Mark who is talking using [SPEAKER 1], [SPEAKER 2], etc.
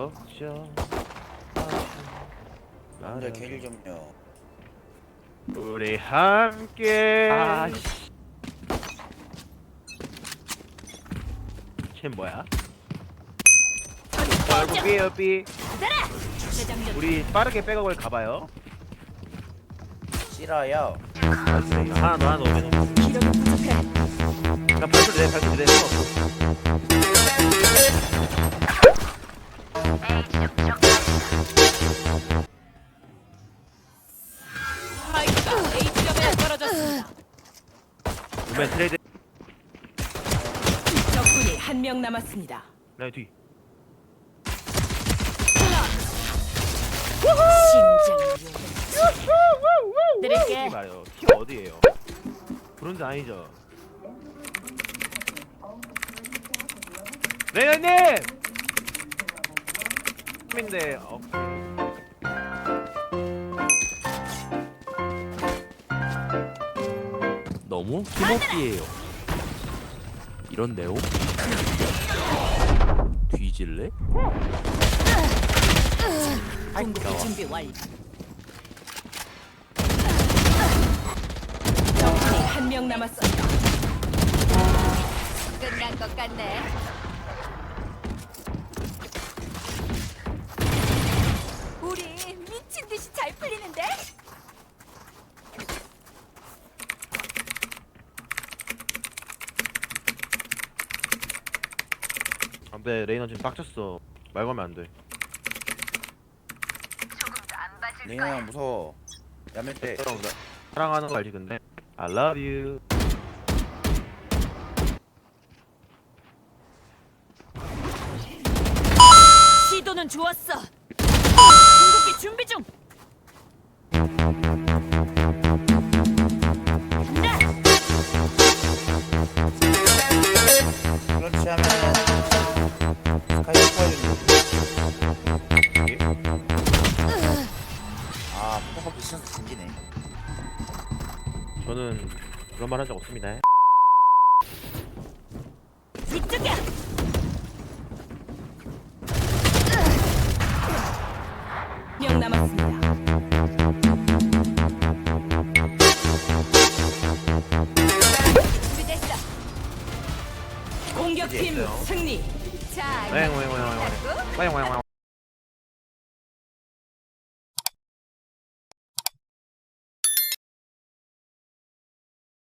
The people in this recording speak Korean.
[SPEAKER 1] 걱정
[SPEAKER 2] 남자 캐리 좀요.
[SPEAKER 1] 우리 함께 쟤 뭐야? 여기 우리 빠르게 백업을 가봐요.
[SPEAKER 2] 싫어요.
[SPEAKER 1] 하나 더 오면
[SPEAKER 3] 기력이 부족해.
[SPEAKER 1] 나 발표 내
[SPEAKER 3] 스파이크가 A점에 떨어졌습니다.
[SPEAKER 1] 오면 트레이드.
[SPEAKER 3] 적군이 한 명 남았습니다.
[SPEAKER 1] 나 뒤.
[SPEAKER 3] 심장을 드릴게.
[SPEAKER 1] 말이요. 키 어디에요? 브론즈 아니죠? 레이너님! 인데
[SPEAKER 4] 너무 기먹기예요. 이런 네오? 뒤질래?
[SPEAKER 3] 공격 준비 완료. 적군이 한 명 남았습니다.
[SPEAKER 5] 끝난 것 같네. 우리 미친 듯이 잘 풀리는데?
[SPEAKER 1] 안돼. 레이너 지금 빡쳤어. 말 걸면 안돼.
[SPEAKER 2] 레이나 형 무서워. 야매 때.
[SPEAKER 1] 사랑하는 거 알지 근데 I love you.
[SPEAKER 3] 시도는 좋았어. 궁극기 준비 중. 간다.
[SPEAKER 2] 그렇지 하면 스카이 스파이를. 아, 포커 비슷해서 생기네.
[SPEAKER 1] 저는 그런 말 한 적 없습니다.
[SPEAKER 3] 이쪽이야. 명 남았습니다.
[SPEAKER 5] 준비됐어.
[SPEAKER 3] 공격팀
[SPEAKER 1] 됐어요.
[SPEAKER 3] 승리.
[SPEAKER 5] 자,
[SPEAKER 1] 왱왱왱왱왱.